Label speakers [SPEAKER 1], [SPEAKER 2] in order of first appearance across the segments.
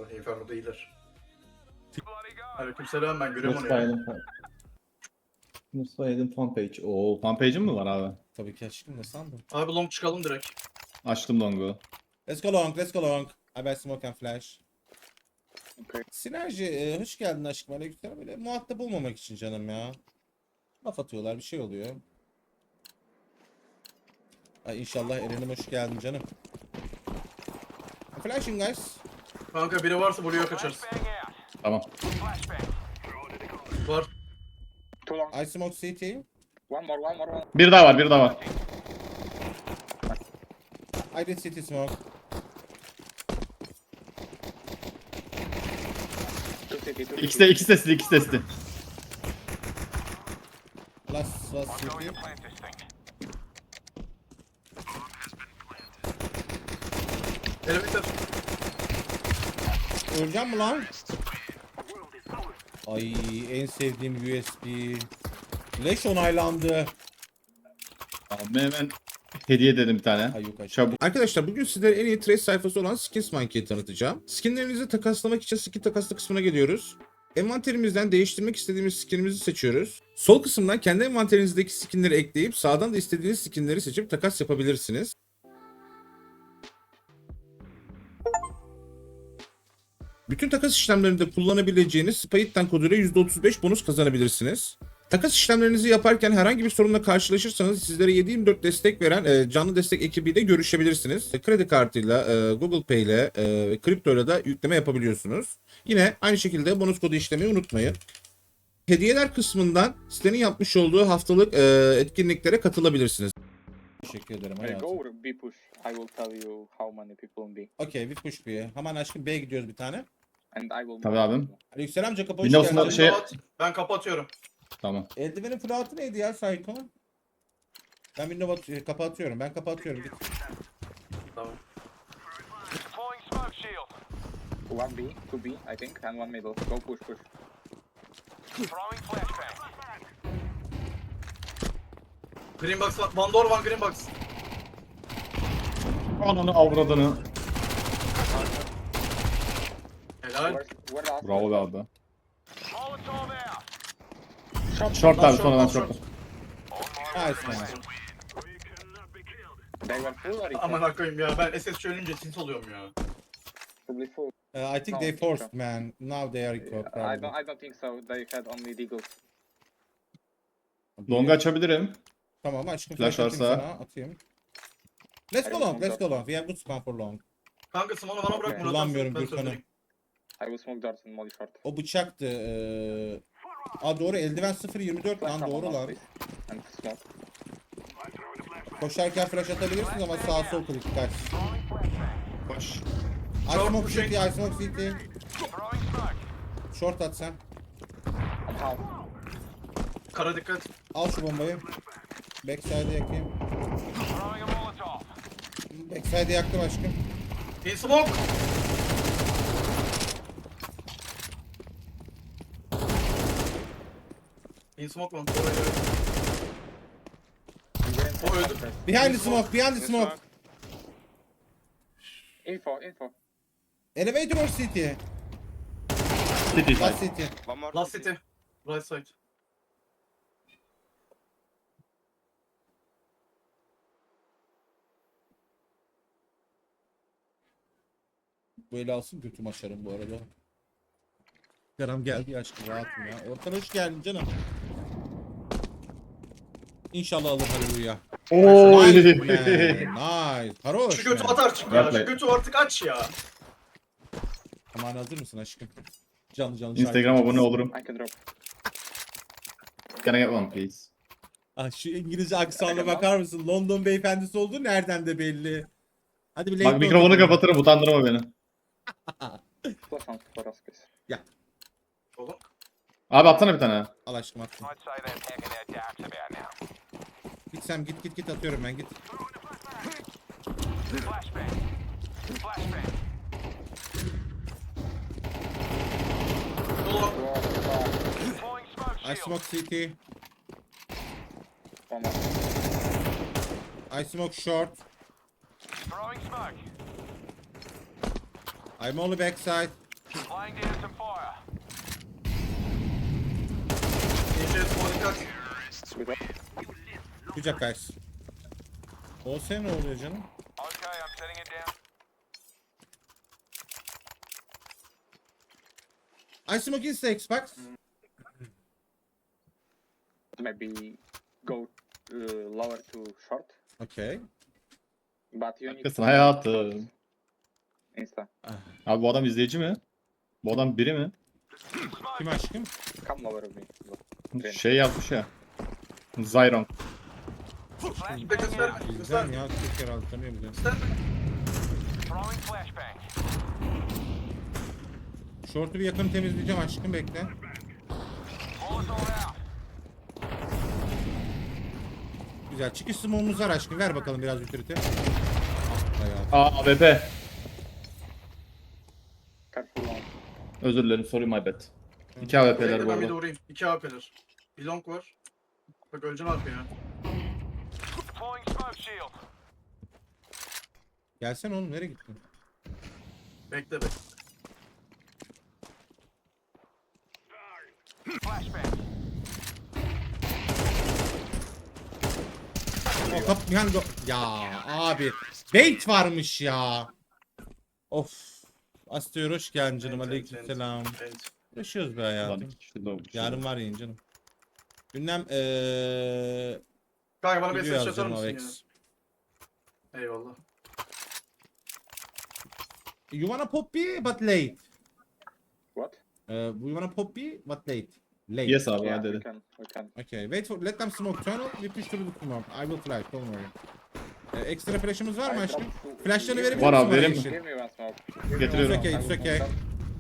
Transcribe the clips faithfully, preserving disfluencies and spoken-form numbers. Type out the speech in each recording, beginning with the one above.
[SPEAKER 1] arada. Inferno'da iyiler. Aleykümselam, ben görüyorum onu
[SPEAKER 2] Nasıl
[SPEAKER 1] ya.
[SPEAKER 2] aydın fan? Nasıl aydın fan page? Oo fan page'in mi var abi?
[SPEAKER 3] Tabii ki aşkım, ne sandın?
[SPEAKER 1] Abi long çıkalım direkt.
[SPEAKER 2] Açtım longu.
[SPEAKER 3] Let's go long, let's go long. I bet smoke and flash.
[SPEAKER 4] Okay.
[SPEAKER 3] Sinerji, e, hoş geldin aşkım. Aleykümselam. Böyle muhatap olmamak için canım ya. Laf atıyorlar, bir şey oluyor. Ay inşallah Eren'im hoş geldin canım. Flashing guys.
[SPEAKER 1] Kanka biri varsa buraya kaçarız.
[SPEAKER 2] Tamam.
[SPEAKER 1] Var.
[SPEAKER 4] Too long.
[SPEAKER 3] I smoke C T.
[SPEAKER 4] One more, one more, one.
[SPEAKER 2] Bir daha var, bir daha var.
[SPEAKER 3] I did C T smoke.
[SPEAKER 4] Two city, two
[SPEAKER 2] İkisi de, ikisi de sizi, ikisi de sizi.
[SPEAKER 3] Last, last C T.
[SPEAKER 1] Elevator.
[SPEAKER 3] Öleceğim mi lan? Ay en sevdiğim U S B. Flash onaylandı.
[SPEAKER 2] Abi hemen hediye dedim bir tane.
[SPEAKER 3] Ay yok aşkım.
[SPEAKER 2] Çabuk.
[SPEAKER 3] Arkadaşlar bugün sizlere en iyi trace sayfası olan Skins Monkey'i tanıtacağım. Skinlerinizi takaslamak için skin takaslı kısmına geliyoruz. Envanterimizden değiştirmek istediğimiz skinimizi seçiyoruz. Sol kısımdan kendi envanterinizdeki skinleri ekleyip sağdan da istediğiniz skinleri seçip takas yapabilirsiniz. Bütün takas işlemlerinde kullanabileceğiniz Spayit'ten koduyla yüzde otuz beş bonus kazanabilirsiniz. Takas işlemlerinizi yaparken herhangi bir sorunla karşılaşırsanız sizlere yedi yirmi dört destek veren e, canlı destek ekibiyle görüşebilirsiniz. E, kredi kartıyla, e, Google Pay ile, e, kriptoyla da yükleme yapabiliyorsunuz. Yine aynı şekilde bonus kodu işlemeyi unutmayın. Hediyeler kısmından sitenin yapmış olduğu haftalık e, etkinliklere katılabilirsiniz. Teşekkür ederim
[SPEAKER 4] I
[SPEAKER 3] hayatım.
[SPEAKER 4] go or B push. I will tell you how many people in B.
[SPEAKER 3] Okey, bir push bir. Hemen aşkım B'ye gidiyoruz bir tane.
[SPEAKER 4] And I will.
[SPEAKER 2] Tabii abim.
[SPEAKER 3] Aleykümselam Jacob, hoş
[SPEAKER 2] Windows'un
[SPEAKER 3] geldin.
[SPEAKER 2] da şey-
[SPEAKER 1] Kapat. Ben kapatıyorum.
[SPEAKER 2] Tamam.
[SPEAKER 3] Eldivenin fırlatı neydi ya Psycho? Ben window at- kapatıyorum. Ben kapatıyorum. Git.
[SPEAKER 1] Tamam.
[SPEAKER 4] One B, two B, I think, and one middle. Go push, push.
[SPEAKER 1] Green box var. One door, one green box.
[SPEAKER 2] Ananı avradını.
[SPEAKER 1] Helal.
[SPEAKER 4] Where, where last?
[SPEAKER 2] Bravo be abi.
[SPEAKER 4] Shot.
[SPEAKER 2] Short abi,
[SPEAKER 1] Short,
[SPEAKER 2] sonradan
[SPEAKER 1] short.
[SPEAKER 2] short.
[SPEAKER 3] Nice man.
[SPEAKER 4] They were full or it
[SPEAKER 1] Aman
[SPEAKER 4] was
[SPEAKER 1] akıyım ya, ben S S C ölünce tilt oluyorum ya.
[SPEAKER 4] probably full?
[SPEAKER 3] Uh, I think
[SPEAKER 4] No,
[SPEAKER 3] they
[SPEAKER 4] I think
[SPEAKER 3] forced
[SPEAKER 4] so.
[SPEAKER 3] man. Now they are equal.
[SPEAKER 4] I
[SPEAKER 3] probably.
[SPEAKER 4] don't, I don't think so. They had only deagles.
[SPEAKER 2] Longu açabilirim.
[SPEAKER 3] Tamam aşkım.
[SPEAKER 2] Flash
[SPEAKER 3] flash atayım
[SPEAKER 2] varsa.
[SPEAKER 3] sana, atayım. Let's go long. Let's go long. We have good spam for long.
[SPEAKER 1] Kanka Simone'u bana bırak.
[SPEAKER 4] Okay.
[SPEAKER 1] bunu
[SPEAKER 3] Kullanmıyorum
[SPEAKER 1] atarsın, ben
[SPEAKER 3] Gürkan'ı.
[SPEAKER 1] söndüreyim.
[SPEAKER 4] I will smoke darts and molly short.
[SPEAKER 3] O bıçaktı. Ee... Aa doğru, eldiven sıfır yirmi dört
[SPEAKER 4] Flash
[SPEAKER 3] lan,
[SPEAKER 4] someone
[SPEAKER 3] doğru
[SPEAKER 4] last,
[SPEAKER 3] lan.
[SPEAKER 4] please. And smoke.
[SPEAKER 3] Koşarken flash atabilirsiniz ama sağ sol klik kaç.
[SPEAKER 2] Koş.
[SPEAKER 3] I
[SPEAKER 1] Short
[SPEAKER 3] smoke
[SPEAKER 1] pushing.
[SPEAKER 3] city, I smoke city. Short at sen.
[SPEAKER 4] I'm half.
[SPEAKER 1] Kara dikkat.
[SPEAKER 3] Al şu bombayı. Backside'e yakayım. Backside'e yaktım aşkım.
[SPEAKER 1] In smoke. In smoke lan. Oraya göre.
[SPEAKER 4] You were in
[SPEAKER 1] O öldü.
[SPEAKER 4] first.
[SPEAKER 3] Behind the smoke, behind the smoke.
[SPEAKER 4] Info, info.
[SPEAKER 3] Elevator or city?
[SPEAKER 2] City
[SPEAKER 3] Last
[SPEAKER 2] side.
[SPEAKER 3] city.
[SPEAKER 5] One more.
[SPEAKER 1] Last city. Right side.
[SPEAKER 3] Böyle alsın götüm açarım bu arada. Canım geldi aşkım, rahatım ya. Ortan hoş geldin canım. İnşallah alır halleluya.
[SPEAKER 2] Oy.
[SPEAKER 3] Nice man, nice. Haroş
[SPEAKER 1] Şu götü
[SPEAKER 3] man.
[SPEAKER 1] at artık ya.
[SPEAKER 2] Rapplay.
[SPEAKER 1] Şu götü artık aç ya.
[SPEAKER 3] Aman hazır mısın aşkım? Canlı canlı
[SPEAKER 2] Instagram
[SPEAKER 3] şarkı.
[SPEAKER 2] abone olurum.
[SPEAKER 4] I can drop.
[SPEAKER 2] Can I get one please?
[SPEAKER 3] Ah, şu İngilizce aksanına bakar mısın? London beyefendisi olduğu nereden de belli. Hadi bir late
[SPEAKER 2] Bak mikrofonu
[SPEAKER 3] note.
[SPEAKER 2] kapatırım, utandırma beni.
[SPEAKER 4] Plus one for us, please.
[SPEAKER 1] Oğlum.
[SPEAKER 2] Abi atsana bir tane.
[SPEAKER 3] Al aşkım attım. Git sen, git git git, atıyorum ben, git.
[SPEAKER 1] Oğlum.
[SPEAKER 3] I smoke city.
[SPEAKER 4] One more.
[SPEAKER 3] I smoke short. I'm only backside.
[SPEAKER 5] Laying down some fire.
[SPEAKER 1] D J smoke at.
[SPEAKER 3] Good job guys. Olsa ne oluyor canım?
[SPEAKER 5] Okay, I'm setting it down.
[SPEAKER 3] I smoke in the Xbox.
[SPEAKER 4] Maybe go uh, lower to short,
[SPEAKER 3] Okay.
[SPEAKER 4] but you need
[SPEAKER 2] Haklısın hayatım.
[SPEAKER 4] insta.
[SPEAKER 2] Abi bu adam izleyici mi? Bu adam biri mi?
[SPEAKER 3] Kim aşkım?
[SPEAKER 4] Come lower with me. Okay.
[SPEAKER 2] Şey yapmış ya. Zyron.
[SPEAKER 1] Bir de göster.
[SPEAKER 3] Bizden
[SPEAKER 1] Göster.
[SPEAKER 3] ya. Çok kere aldı tanıyor bizi.
[SPEAKER 1] Göster.
[SPEAKER 5] Throwing flashbang.
[SPEAKER 3] Short'u bir yakın temizleyeceğim aşkım bekle.
[SPEAKER 5] Molotov out.
[SPEAKER 3] Güzel. Çıkış smoke'umuz var aşkım. Ver bakalım biraz utility. Hayatım.
[SPEAKER 2] Aa A W P.
[SPEAKER 4] Careful long.
[SPEAKER 2] Özür dilerim sorry my bad. İki A W P'ler
[SPEAKER 1] Bekle
[SPEAKER 2] bu
[SPEAKER 1] ben bir de
[SPEAKER 2] arada.
[SPEAKER 1] vurayım. İki A P'ler. Bir long var. Bak öleceksin arkaya.
[SPEAKER 5] Deploying smoke shield.
[SPEAKER 3] Gelsene oğlum nereye gittin?
[SPEAKER 1] Bekle bekle.
[SPEAKER 5] Flashbang.
[SPEAKER 3] O kap yani do- ya abi bait varmış ya. Of. Astıyor hoş geldin canım.
[SPEAKER 1] Evet, evet,
[SPEAKER 3] Aleykümselam.
[SPEAKER 1] Evet.
[SPEAKER 3] Yaşıyoruz be
[SPEAKER 2] Ulan
[SPEAKER 3] hayatım.
[SPEAKER 2] iki kişi doğmuş.
[SPEAKER 3] Yarın var yayın canım. Gündem eee
[SPEAKER 1] Kanka bana bir
[SPEAKER 3] video
[SPEAKER 1] ses atar
[SPEAKER 3] yazacağım
[SPEAKER 1] mısın
[SPEAKER 3] Avex.
[SPEAKER 1] ya? Eyvallah.
[SPEAKER 3] You wanna poppy but late.
[SPEAKER 4] What?
[SPEAKER 3] Uh, you wanna poppy but late. Late.
[SPEAKER 2] Yes abi
[SPEAKER 4] Yeah,
[SPEAKER 2] hadi
[SPEAKER 4] we
[SPEAKER 2] dedi.
[SPEAKER 4] can. We can.
[SPEAKER 3] Okay, wait for let them smoke tunnel. We push through the smoke. I will flash. Don't worry. Ee, ekstra flash'ımız var mı
[SPEAKER 4] I
[SPEAKER 3] aşkım?
[SPEAKER 4] dropped two-
[SPEAKER 3] Flash'larını
[SPEAKER 4] Give
[SPEAKER 3] verebilir
[SPEAKER 2] Var
[SPEAKER 3] misin
[SPEAKER 2] abi,
[SPEAKER 3] bana
[SPEAKER 2] vereyim mi?
[SPEAKER 3] yeşil?
[SPEAKER 4] Give me one smoke. Give me
[SPEAKER 2] Getiriyorum.
[SPEAKER 4] one
[SPEAKER 3] It's
[SPEAKER 4] smoke.
[SPEAKER 3] okay, it's okay.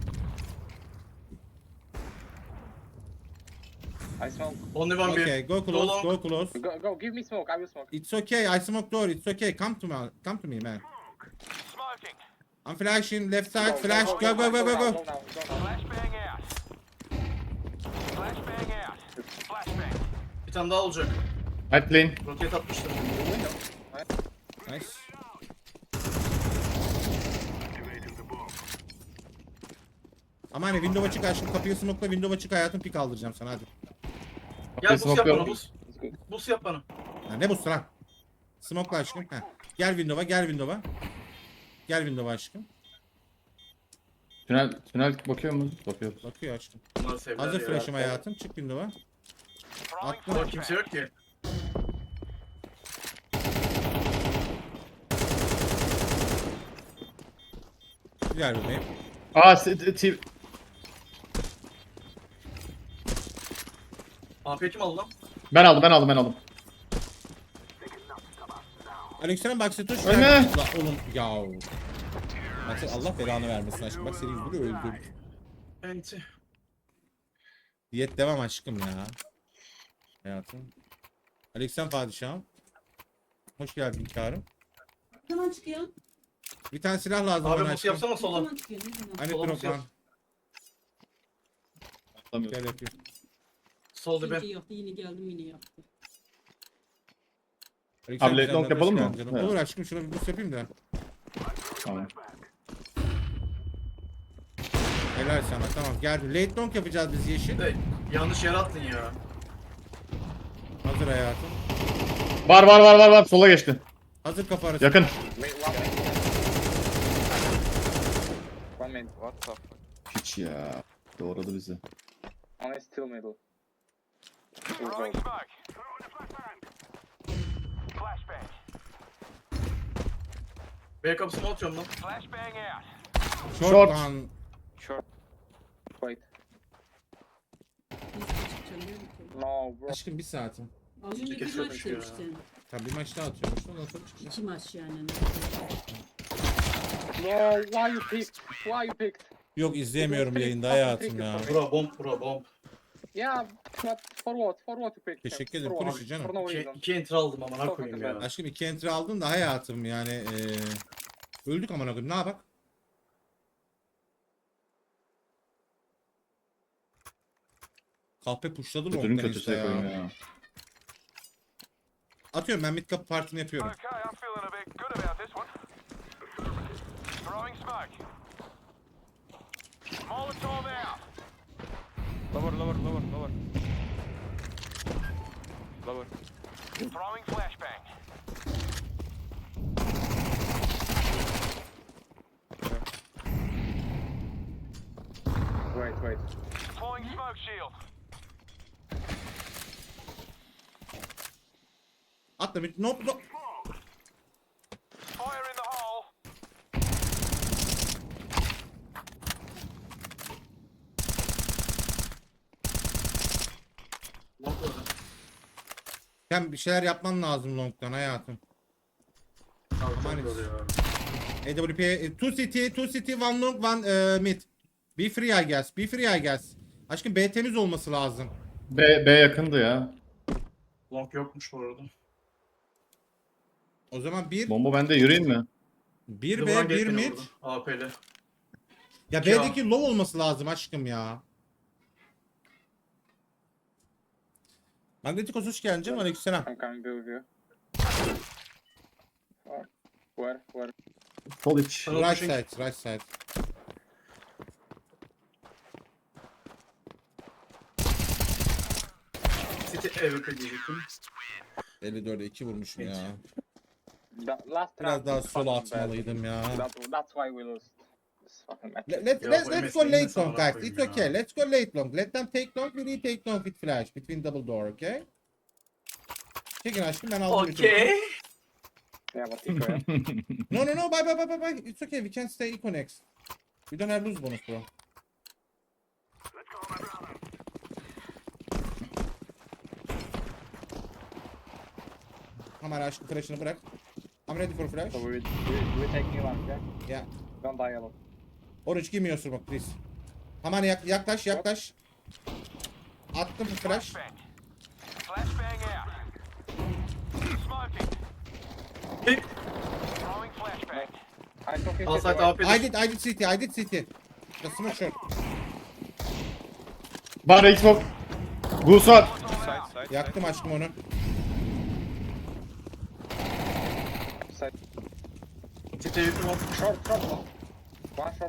[SPEAKER 4] I smoke.
[SPEAKER 1] Only one
[SPEAKER 3] Okay,
[SPEAKER 1] bir.
[SPEAKER 3] go close,
[SPEAKER 1] Long.
[SPEAKER 3] go close.
[SPEAKER 4] Go, go. Give me smoke. I will smoke.
[SPEAKER 3] It's okay, I smoke door. It's okay. Come to me, come to me, man.
[SPEAKER 5] Smoking.
[SPEAKER 3] I'm flashing left side.
[SPEAKER 4] Go,
[SPEAKER 3] Flash. Go, go, go, go,
[SPEAKER 4] now,
[SPEAKER 3] go.
[SPEAKER 4] Go now. Go now.
[SPEAKER 5] Flashbang out. Flashbang out. Flashbang.
[SPEAKER 1] Bir tane daha olacak.
[SPEAKER 2] Hide plane.
[SPEAKER 1] Roket atmıştım.
[SPEAKER 3] Nice. Ama hani window açık aşkım. Kapıyı smoke'la window açık hayatım pik aldıracağım sana hadi.
[SPEAKER 1] Gel bus yap bana
[SPEAKER 2] smoke'luyorum.
[SPEAKER 1] bus.
[SPEAKER 4] It's good.
[SPEAKER 1] Bus yap bana.
[SPEAKER 3] Ya ne bu lan? Smoke'la aşkım. Heh. Gel window'a, gel window'a. Gel window'a aşkım.
[SPEAKER 2] Tünel, tünel bakıyor mu? Bakıyor.
[SPEAKER 3] Bakıyor aşkım.
[SPEAKER 1] Bunlar sevdiler
[SPEAKER 3] Hazır
[SPEAKER 1] ya.
[SPEAKER 3] flash'ım hayatım. Çık window'a.
[SPEAKER 5] Throwing
[SPEAKER 3] Atla.
[SPEAKER 1] Burada kimse
[SPEAKER 5] flashbang.
[SPEAKER 1] yok ki.
[SPEAKER 3] Güzel bebeğim.
[SPEAKER 2] Aa s- t- t-
[SPEAKER 1] A P kim aldı lan?
[SPEAKER 2] ben aldım ben aldım ben aldım.
[SPEAKER 3] Aleykümselam bak Setoş.
[SPEAKER 2] Ölme.
[SPEAKER 3] La oğlum yav. Bak sen Allah belanı vermesin aşkım. Bak seni yüzünü öldür.
[SPEAKER 1] Enti.
[SPEAKER 3] Diyet devam aşkım ya. Hayatım. Aleykümselam padişahım. Hoş geldin karım.
[SPEAKER 6] Ne zaman çıkıyor?
[SPEAKER 3] Bir tane silah lazım
[SPEAKER 1] Abi
[SPEAKER 3] bana
[SPEAKER 1] bus
[SPEAKER 3] aşkım.
[SPEAKER 1] yapsana
[SPEAKER 6] Ne
[SPEAKER 1] sola.
[SPEAKER 6] zaman çıkıyor? Ne zaman?
[SPEAKER 3] Hani
[SPEAKER 1] sola
[SPEAKER 3] drop
[SPEAKER 1] bus yap.
[SPEAKER 3] lan.
[SPEAKER 2] Atlamıyorum.
[SPEAKER 3] Gel yapayım.
[SPEAKER 1] Sol dibe.
[SPEAKER 6] İkinci yaptı, yine geldim yine yaptı.
[SPEAKER 3] Aleykümselam
[SPEAKER 2] Abi, late long
[SPEAKER 3] canım,
[SPEAKER 2] yapalım
[SPEAKER 3] hoş
[SPEAKER 2] mı?
[SPEAKER 3] geldin canım.
[SPEAKER 2] Evet.
[SPEAKER 3] Olur aşkım şuna bir boost yapayım da.
[SPEAKER 2] Tamam.
[SPEAKER 3] Helal sana tamam geldim. Late long yapacağız biz yeşil.
[SPEAKER 1] Hey, yanlış yere attın ya.
[SPEAKER 3] Hazır hayatım.
[SPEAKER 2] Var var var var var sola geçti.
[SPEAKER 3] Hazır kafa arası.
[SPEAKER 2] Yakın.
[SPEAKER 4] Wait, one minute. One minute. What the fuck?
[SPEAKER 2] Hiç ya. Doğradı bizi.
[SPEAKER 4] Only still middle. We'll go.
[SPEAKER 5] Throwing smoke. Flashbang.
[SPEAKER 1] B kapısını atıyorum lan.
[SPEAKER 5] Flashbang out.
[SPEAKER 3] Short,
[SPEAKER 2] Short.
[SPEAKER 3] lan.
[SPEAKER 4] Short. Wait.
[SPEAKER 6] Nasıl çıkacağım biliyor musun?
[SPEAKER 4] No, bro.
[SPEAKER 3] Aşkım bir saatim.
[SPEAKER 6] Az önce bir
[SPEAKER 1] kesiyor
[SPEAKER 6] maç
[SPEAKER 1] ya.
[SPEAKER 6] demiştin.
[SPEAKER 3] Tabii bir maç daha atıyormuş. Ondan sonra çıkacağız.
[SPEAKER 6] İki maç yani.
[SPEAKER 4] No, why you picked? Why you picked?
[SPEAKER 3] Yok izleyemiyorum yayında hayatım ya.
[SPEAKER 1] Bura bomb bura bomb.
[SPEAKER 4] Yeah, but for what? For what you picked? him?
[SPEAKER 3] Teşekkür ederim,
[SPEAKER 4] For what?
[SPEAKER 3] konuşu canım.
[SPEAKER 4] For no
[SPEAKER 1] İki,
[SPEAKER 4] reason.
[SPEAKER 1] iki enter aldım amına
[SPEAKER 4] Çok
[SPEAKER 1] koyayım
[SPEAKER 4] güzel.
[SPEAKER 1] ya.
[SPEAKER 3] Aşkım iki entry aldın da hayatım yani eee öldük amına koyayım. Ne yapak? Kahpe pushladı mı
[SPEAKER 2] Kötünün
[SPEAKER 3] ondan
[SPEAKER 2] kötüsü
[SPEAKER 3] işte
[SPEAKER 2] koyayım
[SPEAKER 3] ya.
[SPEAKER 2] ya.
[SPEAKER 3] Atıyorum ben mid kapı partini yapıyorum.
[SPEAKER 5] Okay, I'm feeling a bit good about this one. Throwing smoke. Molotov
[SPEAKER 7] Lower, lower, lower, lower. Lower.
[SPEAKER 5] Throwing flashbang.
[SPEAKER 4] Wait, wait.
[SPEAKER 5] Deploying smoke shield.
[SPEAKER 3] Atla bir. No, no.
[SPEAKER 5] Fire in the hole.
[SPEAKER 1] Long var.
[SPEAKER 3] Sen bir şeyler yapman lazım long'dan hayatım.
[SPEAKER 1] Abi
[SPEAKER 3] Aman
[SPEAKER 1] çok oluyor abi.
[SPEAKER 3] A W P, two city, two city, one long, one uh, mid. Be free I guess, be free I guess. Aşkım B temiz olması lazım.
[SPEAKER 2] B, B yakındı ya.
[SPEAKER 1] Long yokmuş bu arada.
[SPEAKER 3] O zaman bir,
[SPEAKER 2] Bomba bende, yürüyeyim mi?
[SPEAKER 3] bir
[SPEAKER 1] Yıldıran
[SPEAKER 3] B, bir
[SPEAKER 1] gate beni
[SPEAKER 3] mid.
[SPEAKER 1] vurdu. A P'li.
[SPEAKER 3] Ya
[SPEAKER 1] İki A.
[SPEAKER 3] B'deki low olması lazım aşkım ya. Magnetikos hoş geldin canım, aleykümselam.
[SPEAKER 4] I'm coming with you. Where? Where? Where?
[SPEAKER 2] Sol iç.
[SPEAKER 1] Tunnel
[SPEAKER 3] Right
[SPEAKER 1] pushing.
[SPEAKER 3] side, right side.
[SPEAKER 1] City A W P diyecektim.
[SPEAKER 3] elli dörde iki vurmuşum ya.
[SPEAKER 4] The last
[SPEAKER 3] Biraz
[SPEAKER 4] round
[SPEAKER 3] daha
[SPEAKER 4] was
[SPEAKER 3] sola
[SPEAKER 4] fucking bad.
[SPEAKER 3] atmalıydım ya.
[SPEAKER 4] That, that's why we lost this fucking match.
[SPEAKER 3] Let, let,
[SPEAKER 1] Ya
[SPEAKER 3] let's,
[SPEAKER 1] bu
[SPEAKER 3] let's
[SPEAKER 1] M S
[SPEAKER 3] go
[SPEAKER 1] N'in
[SPEAKER 3] late
[SPEAKER 1] nasıl
[SPEAKER 3] long
[SPEAKER 1] amına
[SPEAKER 3] guys. It's
[SPEAKER 1] koyayım
[SPEAKER 3] okay.
[SPEAKER 1] ya?
[SPEAKER 3] Let's go late long. Let them take long. We retake long with flash. Between double door, okay? Çekin aşkım, ben aldım. bütün-
[SPEAKER 1] Okay.
[SPEAKER 4] Yeah, but Tico, yeah.
[SPEAKER 3] No no no, bye bye bye bye bye. It's okay. We can stay eco next. We don't have lose bonus bro. Hemen aşkım flash'ını bırak. I'm ready for flash.
[SPEAKER 4] So we, we, we take new one, yeah?
[SPEAKER 3] Yeah.
[SPEAKER 4] Don't die alone.
[SPEAKER 3] Orange give me your smoke please. Hemen yak yaklaş yaklaş. Attım flash.
[SPEAKER 5] Flashbang. Flashbang out. Smoking.
[SPEAKER 1] Hit.
[SPEAKER 5] Throwing flashbang.
[SPEAKER 4] I took it.
[SPEAKER 1] Outside A P'li.
[SPEAKER 3] I did I did city I did city. The smoke shot.
[SPEAKER 2] Var Xbox. Goose var.
[SPEAKER 7] Side, side,
[SPEAKER 3] Yaktım aşkım onu.
[SPEAKER 4] Side.
[SPEAKER 1] City A W P long.
[SPEAKER 4] Short, short. One short.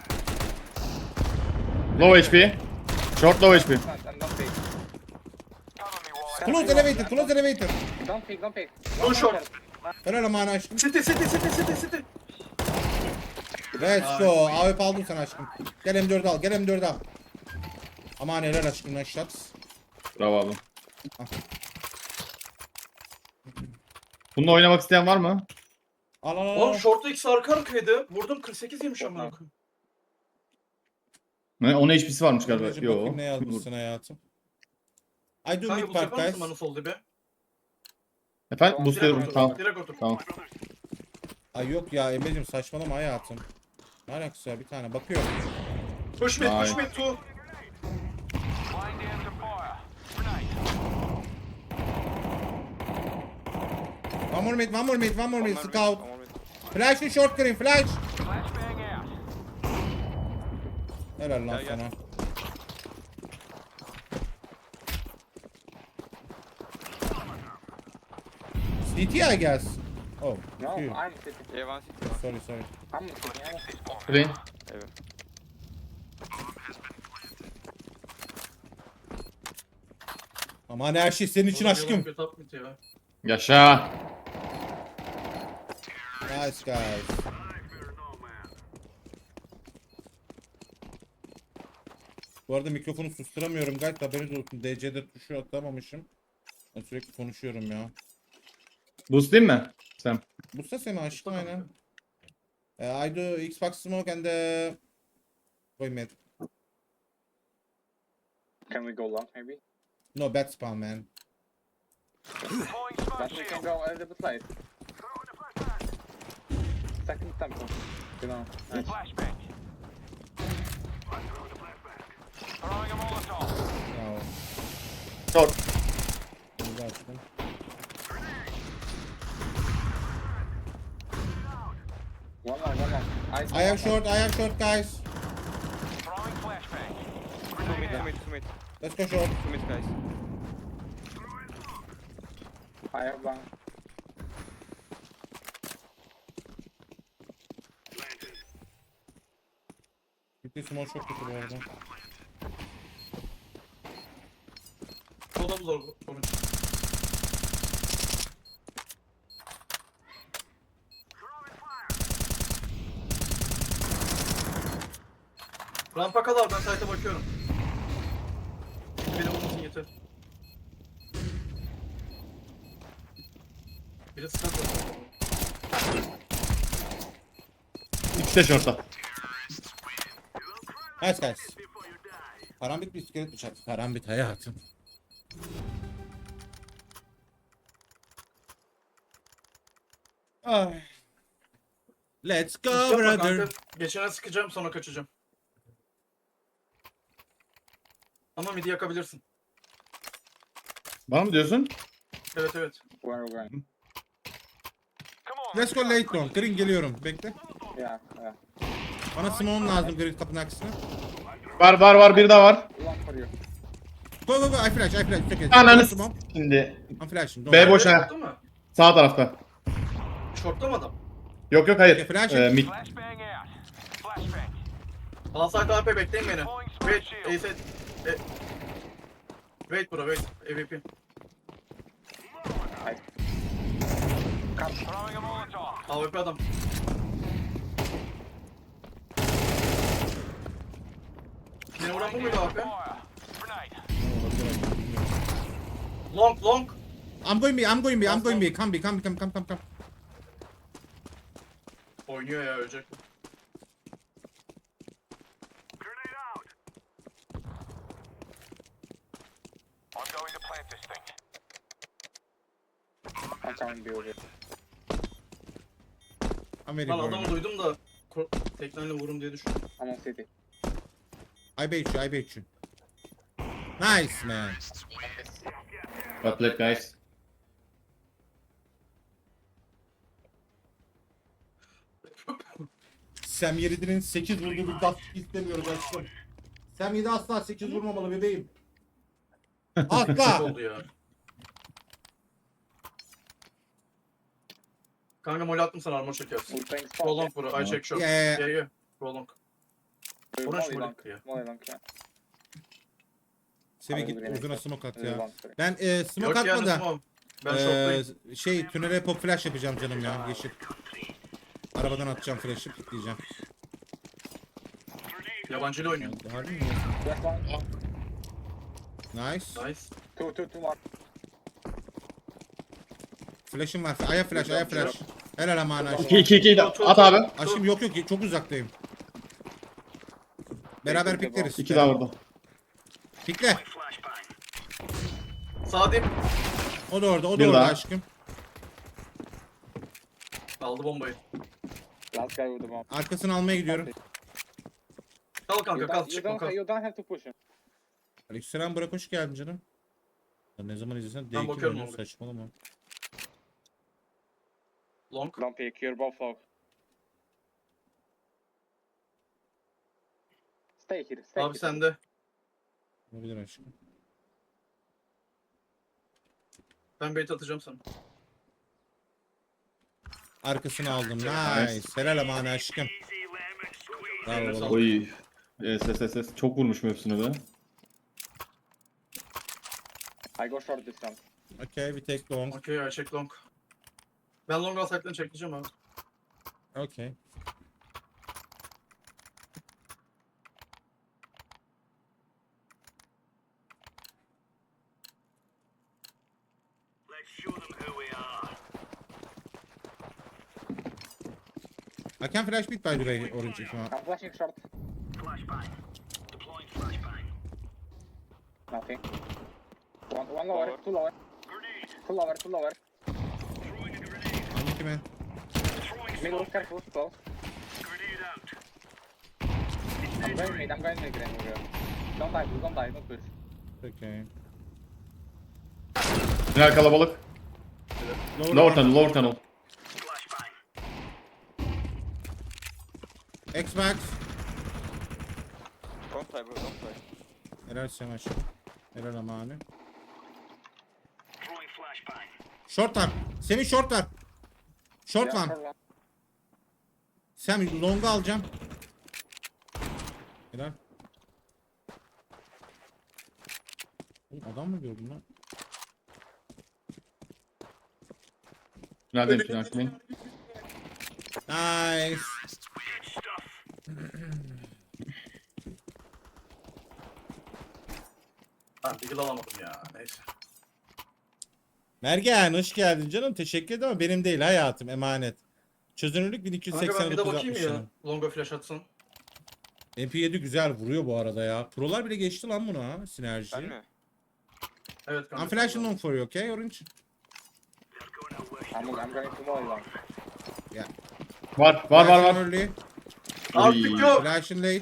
[SPEAKER 2] Low H P. Short low H P.
[SPEAKER 4] And, and don't pick.
[SPEAKER 5] Cover me while I
[SPEAKER 3] Close elevator, close elevator.
[SPEAKER 4] Don't pick, don't pick.
[SPEAKER 1] One short.
[SPEAKER 3] Helal aman aşkım.
[SPEAKER 1] City City City City City.
[SPEAKER 3] Let's go. A W P aldım sana aşkım. Gel M dört al, gel M dört al. Aman helal aşkım, nice shots.
[SPEAKER 2] Bravo abi.
[SPEAKER 3] Ah.
[SPEAKER 2] Bununla oynamak isteyen var mı?
[SPEAKER 3] Al al al.
[SPEAKER 1] Oğlum
[SPEAKER 3] al.
[SPEAKER 1] short'ta ikisi arka arkaydı. Vurdum kırk sekiz yemiş amına koyayım.
[SPEAKER 2] Ne? Onun H P'si varmış galiba.
[SPEAKER 3] Anneciğim,
[SPEAKER 2] Yo.
[SPEAKER 3] bakayım ne yazmışsın hayatım. I do
[SPEAKER 1] Kanka
[SPEAKER 3] mid
[SPEAKER 1] bu
[SPEAKER 3] part
[SPEAKER 1] yapar mısın
[SPEAKER 3] guys.
[SPEAKER 1] bana sol dibe?
[SPEAKER 2] Efendim
[SPEAKER 4] Direkt
[SPEAKER 2] boostluyorum.
[SPEAKER 1] otur.
[SPEAKER 2] Tamam.
[SPEAKER 1] Direkt otur.
[SPEAKER 2] Tamam.
[SPEAKER 3] Ay yok ya Emre'cim, saçmalama hayatım. Ne alakası ya, bir tane bakıyorum.
[SPEAKER 1] Push mid, push
[SPEAKER 2] Nice.
[SPEAKER 1] mid two.
[SPEAKER 5] line down to fire. Grenade.
[SPEAKER 3] One more mid, one more mid, one more mid,
[SPEAKER 7] One more mid,
[SPEAKER 3] scout.
[SPEAKER 7] one more mid.
[SPEAKER 3] Flash in short green, flash.
[SPEAKER 5] Flashbang out.
[SPEAKER 3] Helal lan
[SPEAKER 7] Gel, gel.
[SPEAKER 3] sana. C T I guess. Oh,
[SPEAKER 4] No,
[SPEAKER 3] you.
[SPEAKER 4] I'm sitting.
[SPEAKER 7] Yeah, one city, one.
[SPEAKER 3] Sorry sorry.
[SPEAKER 4] I'm sitting. Yeah.
[SPEAKER 2] Green.
[SPEAKER 7] Evet.
[SPEAKER 3] Aman her şey senin için aşkım.
[SPEAKER 1] Bir top mid ya.
[SPEAKER 2] Yaşa.
[SPEAKER 3] Nice guys. Bu arada mikrofonu susturamıyorum guys, haberiniz olsun. D C'de tuşu atamamışım. Ben sürekli konuşuyorum ya.
[SPEAKER 2] Boostlayayım mı? Sen.
[SPEAKER 3] Bu da seni aşkım aynen. Uh, I do Xbox smoke and uh, Boy mid.
[SPEAKER 4] Can we go long, maybe?
[SPEAKER 3] No bad spam man.
[SPEAKER 5] Deploying smoke
[SPEAKER 4] But we can
[SPEAKER 5] shield.
[SPEAKER 4] go a little bit late. Second temple. You know. Nice.
[SPEAKER 5] Flashbang. Throwing a Molotov.
[SPEAKER 3] Bravo.
[SPEAKER 2] Short.
[SPEAKER 3] Güzel açtım.
[SPEAKER 4] One more, one more. I,
[SPEAKER 3] I have short, I have short guys.
[SPEAKER 5] Throwing flashbang.
[SPEAKER 7] Two mid,
[SPEAKER 5] Grenade
[SPEAKER 7] two
[SPEAKER 5] out.
[SPEAKER 7] mid, two mid.
[SPEAKER 3] Let's go short.
[SPEAKER 7] Two mid, guys.
[SPEAKER 4] I have one.
[SPEAKER 3] Bitti small çok kötü bu arada.
[SPEAKER 1] Solda mı zor bu? Komik. Rampa kal abi, ben site'e bakıyorum. Beni vurmasın yeter. Biri sıkıntı.
[SPEAKER 2] İkisi de short'ta.
[SPEAKER 3] Guys guys. Karambit bir iskelet bıçak. Karambit hayatım. Ay. Let's go
[SPEAKER 1] Yapma
[SPEAKER 3] brother.
[SPEAKER 1] kanka. Geçene sıkacağım, sonra kaçacağım. Ama midi yakabilirsin.
[SPEAKER 2] Bana mı diyorsun?
[SPEAKER 1] Evet evet.
[SPEAKER 4] Where are we going?
[SPEAKER 5] Come on.
[SPEAKER 3] Let's go late long. Green geliyorum. Bekle.
[SPEAKER 4] Yeah, yeah.
[SPEAKER 3] Bana smoke lazım Green kapının aksine.
[SPEAKER 2] Var var var, bir daha var.
[SPEAKER 4] Long for you.
[SPEAKER 3] Go go go. I flash. I flash. It's okay.
[SPEAKER 2] Ananı
[SPEAKER 3] Smoke.
[SPEAKER 2] şimdi.
[SPEAKER 3] I'm flashing. don't
[SPEAKER 2] B
[SPEAKER 3] worry.
[SPEAKER 2] boş ha.
[SPEAKER 1] Şortta mı?
[SPEAKER 2] Sağ tarafta.
[SPEAKER 1] Şortta mı adam?
[SPEAKER 2] Yok yok hayır.
[SPEAKER 3] Flash
[SPEAKER 2] Ee,
[SPEAKER 3] it.
[SPEAKER 2] mid.
[SPEAKER 5] Flashbang out. Flashbang.
[SPEAKER 1] Alsaydı A P bekleyin beni.
[SPEAKER 5] Deploying
[SPEAKER 1] Wait,
[SPEAKER 5] smoke shield.
[SPEAKER 1] A set. E... Wait bro, wait. A V P.
[SPEAKER 5] Throwing a Molotov.
[SPEAKER 1] A V P adam. Beni vuran bu muydu A V P?
[SPEAKER 5] Fire. Grenade.
[SPEAKER 1] Long, long.
[SPEAKER 3] I'm going B. I'm going B. I'm going B. Come B. Come come come come come.
[SPEAKER 1] Oynuyor ya, ölecek.
[SPEAKER 5] I'm going to plant this thing.
[SPEAKER 4] I'm coming B over here.
[SPEAKER 3] I'm very
[SPEAKER 1] Lan
[SPEAKER 3] boring.
[SPEAKER 1] adamı duydum da ko- tekneyle vurum diye düşündüm.
[SPEAKER 4] I'm on city.
[SPEAKER 3] I bait you. I bait you. Nice man.
[SPEAKER 2] Well played guys.
[SPEAKER 3] Sam Yeridi'nin sekiz vurduğu bir gaz istemiyoruz aşkım. Sam yedi asla sekiz vurmamalı bebeğim.
[SPEAKER 1] Çok
[SPEAKER 3] Asla.
[SPEAKER 1] oldu ya. Kanka mol attım sana, armor çekersin.
[SPEAKER 4] We're playing
[SPEAKER 1] Go
[SPEAKER 4] spot.
[SPEAKER 1] long bro, I check short.
[SPEAKER 3] Yeah, yeah,
[SPEAKER 1] Yeah yeah. Go long.
[SPEAKER 4] Yeah.
[SPEAKER 1] Orange
[SPEAKER 4] Molly
[SPEAKER 1] molly
[SPEAKER 4] long.
[SPEAKER 1] ya.
[SPEAKER 4] Molly long, yeah.
[SPEAKER 3] Sevi git uzuna smoke at
[SPEAKER 4] Really
[SPEAKER 3] ya.
[SPEAKER 4] long, sorry.
[SPEAKER 3] Ben e, smoke
[SPEAKER 1] Yok yani
[SPEAKER 3] atma da
[SPEAKER 1] tamam. Ben
[SPEAKER 3] e,
[SPEAKER 1] short'tayım.
[SPEAKER 3] şey tünele pop flash yapacağım canım ya yeşil. Arabadan atacağım flash'ı pikleyeceğim.
[SPEAKER 1] Yabancı ile oynuyor.
[SPEAKER 3] Harbi mi?
[SPEAKER 4] Last one.
[SPEAKER 3] Nice.
[SPEAKER 1] Nice.
[SPEAKER 4] Two, two, two more.
[SPEAKER 3] Flash'ım var. Aya flash, aya flash. Helal aman aşkım.
[SPEAKER 2] iki iki iki at abi.
[SPEAKER 3] Aşkım yok yok çok uzaktayım. Beraber pikleriz.
[SPEAKER 2] İki daha vurdu.
[SPEAKER 3] Pikle.
[SPEAKER 1] Sağ dip.
[SPEAKER 3] O da orada, o da
[SPEAKER 2] Bir
[SPEAKER 3] orada
[SPEAKER 2] daha.
[SPEAKER 3] aşkım.
[SPEAKER 1] Aldı bombayı.
[SPEAKER 4] Last guy with the bomb.
[SPEAKER 3] Arkasını almaya gidiyorum.
[SPEAKER 1] Kal
[SPEAKER 4] You
[SPEAKER 1] kanka, kal
[SPEAKER 4] don't, you
[SPEAKER 1] çıkma
[SPEAKER 4] don't,
[SPEAKER 1] kal.
[SPEAKER 4] you don't have to push him.
[SPEAKER 3] Aleykümselam Burak hoş geldin canım. Ya ne zaman izlesen D
[SPEAKER 1] Ben
[SPEAKER 3] iki
[SPEAKER 1] bakıyorum
[SPEAKER 3] oynuyor
[SPEAKER 1] abi.
[SPEAKER 3] saçmalama.
[SPEAKER 1] Long.
[SPEAKER 4] Don't pick, you're both low. Stay here, stay
[SPEAKER 1] Abi
[SPEAKER 4] here.
[SPEAKER 1] sende.
[SPEAKER 3] Olabilir aşkım.
[SPEAKER 1] Ben bait atacağım sana.
[SPEAKER 3] Arkasını aldım. Nice. Helal aman aşkım. Bravo baba.
[SPEAKER 2] Oy. Ses ses ses. Çok vurmuşum hepsini be.
[SPEAKER 4] I go short this time.
[SPEAKER 3] Okay, we take long.
[SPEAKER 1] Okay, I check long. Ben long alsaklarını çekeceğim abi.
[SPEAKER 3] Okay. I can flash beat by the way, orange if you want.
[SPEAKER 4] I'm flashing short. Nothing. One, one lower,
[SPEAKER 7] Lower.
[SPEAKER 4] two lower. Two lower, two lower.
[SPEAKER 3] I'm iki man.
[SPEAKER 4] Middle, careful, close. I'm going mid, I'm going mid, Green, over here. Don't die, don't die, don't push.
[SPEAKER 3] Okay.
[SPEAKER 2] Final kalabalık. Lower tunnel, lower tunnel.
[SPEAKER 3] Xbox.
[SPEAKER 7] Don't play, bro. Don't play.
[SPEAKER 3] Helal sen aşkım. Helal amanı. Short var. Semih short var. Short
[SPEAKER 4] Yeah,
[SPEAKER 3] one.
[SPEAKER 4] short one.
[SPEAKER 3] Semih long'u alacağım. Helal. Oğlum adam mı gördün lan?
[SPEAKER 2] Tünel değil, tünel değil.
[SPEAKER 3] Nice.
[SPEAKER 1] Ha Deagle alamadım ya. Neyse.
[SPEAKER 3] Mergen hoş geldin canım. Teşekkür ederim ama benim değil hayatım emanet. Çözünürlük bin iki yüz
[SPEAKER 1] Kanka
[SPEAKER 3] seksen
[SPEAKER 1] ben bir de bakayım ya.
[SPEAKER 3] altmış.
[SPEAKER 1] Longa flash atsın.
[SPEAKER 3] M P yedi güzel vuruyor bu arada ya. Prolar bile geçti lan buna ha sinerji.
[SPEAKER 7] Ben mi?
[SPEAKER 1] Evet kanka.
[SPEAKER 3] I'm flashing long for you, okay Orange?
[SPEAKER 4] I'm, I'm going to volley long.
[SPEAKER 2] Var var var
[SPEAKER 3] Flashing
[SPEAKER 2] var.
[SPEAKER 3] early,
[SPEAKER 1] Artık yok.
[SPEAKER 3] flashing late.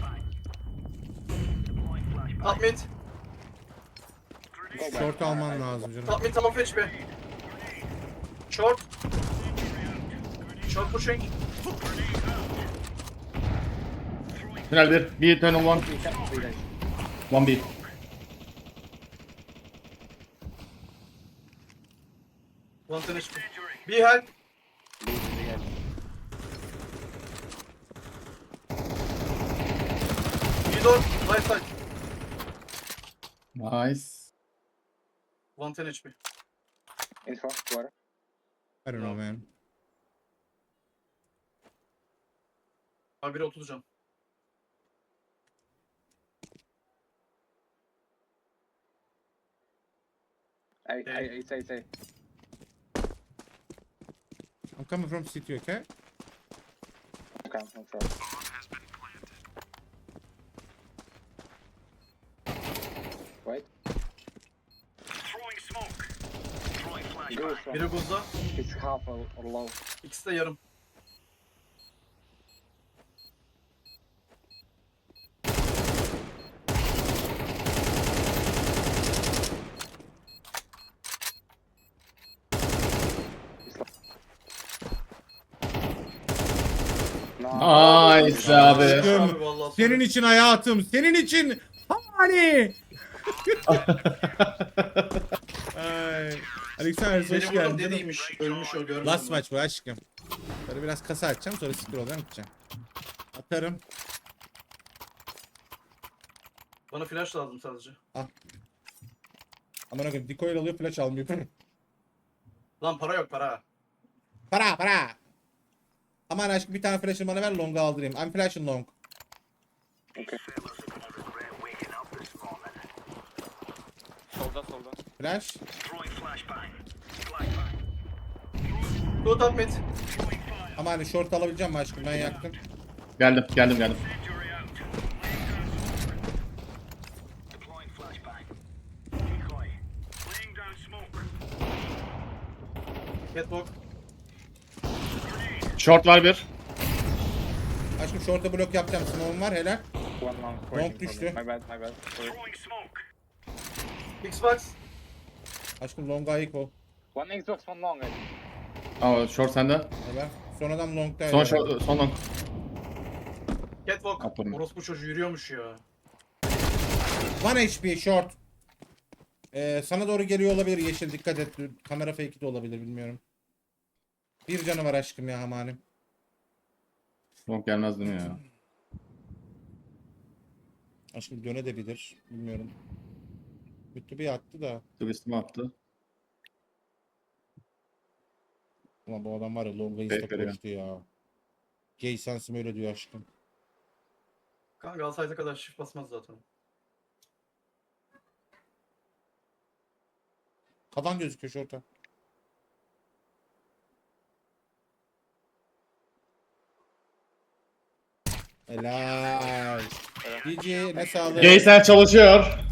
[SPEAKER 1] Top mid.
[SPEAKER 4] Go back.
[SPEAKER 3] Short alman lazım canım.
[SPEAKER 1] Top mid tamam fetch be. Short. Short pushing.
[SPEAKER 2] Tünel bir. Bir tünel one.
[SPEAKER 4] You can three days.
[SPEAKER 2] One B.
[SPEAKER 1] One ten H P. Be help.
[SPEAKER 4] Leave the edge.
[SPEAKER 1] Be door. Right side.
[SPEAKER 2] Nice.
[SPEAKER 1] One ten H P.
[SPEAKER 4] Info, water.
[SPEAKER 3] I don't know man.
[SPEAKER 1] Abi biri otuz can.
[SPEAKER 4] I, I, I say, say.
[SPEAKER 3] I'm coming from city, okay?
[SPEAKER 4] Okay, I'm sure. Wait. Go from.
[SPEAKER 1] Biri buzda.
[SPEAKER 4] It's half or, or low.
[SPEAKER 1] İkisi de yarım.
[SPEAKER 2] Nice abi.
[SPEAKER 1] Abi vallahi
[SPEAKER 3] Senin için hayatım, senin için hani. Ay. Alexander hoş
[SPEAKER 1] Beni vurdum
[SPEAKER 3] geldin.
[SPEAKER 1] dediymiş. Ölmüş o görmedim.
[SPEAKER 3] Last
[SPEAKER 1] ben.
[SPEAKER 3] maç bu aşkım. Böyle biraz kasa açacağım sonra siktir olacağım gideceğim. Atarım.
[SPEAKER 1] Bana flash lazım sadece.
[SPEAKER 3] Aman akım decoy alıyor flash almıyor.
[SPEAKER 1] Lan para yok para.
[SPEAKER 3] Para para. Aman aşkım bir tane flash'ını bana ver long'a aldırayım. I'm flashing long.
[SPEAKER 4] Okay.
[SPEAKER 7] Solda solda.
[SPEAKER 3] Flash.
[SPEAKER 1] Go top mid.
[SPEAKER 3] Ama hani short alabileceğim mi aşkım ben yaktım.
[SPEAKER 2] Geldim geldim geldim.
[SPEAKER 1] Catwalk.
[SPEAKER 2] Short var bir.
[SPEAKER 3] Aşkım short'a blok yapacağım. Smoke'um var helal.
[SPEAKER 4] One long.
[SPEAKER 3] Long
[SPEAKER 4] waiting for
[SPEAKER 3] düştü.
[SPEAKER 4] me. My bad, my bad. Sorry.
[SPEAKER 1] Xbox.
[SPEAKER 3] Aşkım long'a ayık ol.
[SPEAKER 4] One Xbox, one long. I think.
[SPEAKER 2] Aa short sende.
[SPEAKER 3] Helal. Son adam long'da.
[SPEAKER 2] Son
[SPEAKER 3] helal.
[SPEAKER 2] short, son long.
[SPEAKER 1] Catwalk.
[SPEAKER 2] Aferin.
[SPEAKER 1] Orospu çocuğu yürüyormuş ya.
[SPEAKER 3] One H P short. Ee, sana doğru geliyor olabilir yeşil dikkat et. Kamera fake'i de olabilir bilmiyorum. Bir canı var aşkım ya hamalim.
[SPEAKER 2] Long gelmez değil mi ya?
[SPEAKER 3] Aşkım döne de bilir. Bilmiyorum. Kötü bir attı da.
[SPEAKER 2] Twist'imi attı.
[SPEAKER 3] Ulan bu adam var ya longa
[SPEAKER 2] Evet,
[SPEAKER 3] insta
[SPEAKER 2] veriyor.
[SPEAKER 3] koştu ya. Gay sensim öyle diyor aşkım.
[SPEAKER 1] Kanka alsaydı kadar shift basmaz zaten.
[SPEAKER 3] Kadan gözüküyor şorta. Helal. G G ne sağlığı.
[SPEAKER 2] Jason çalışıyor.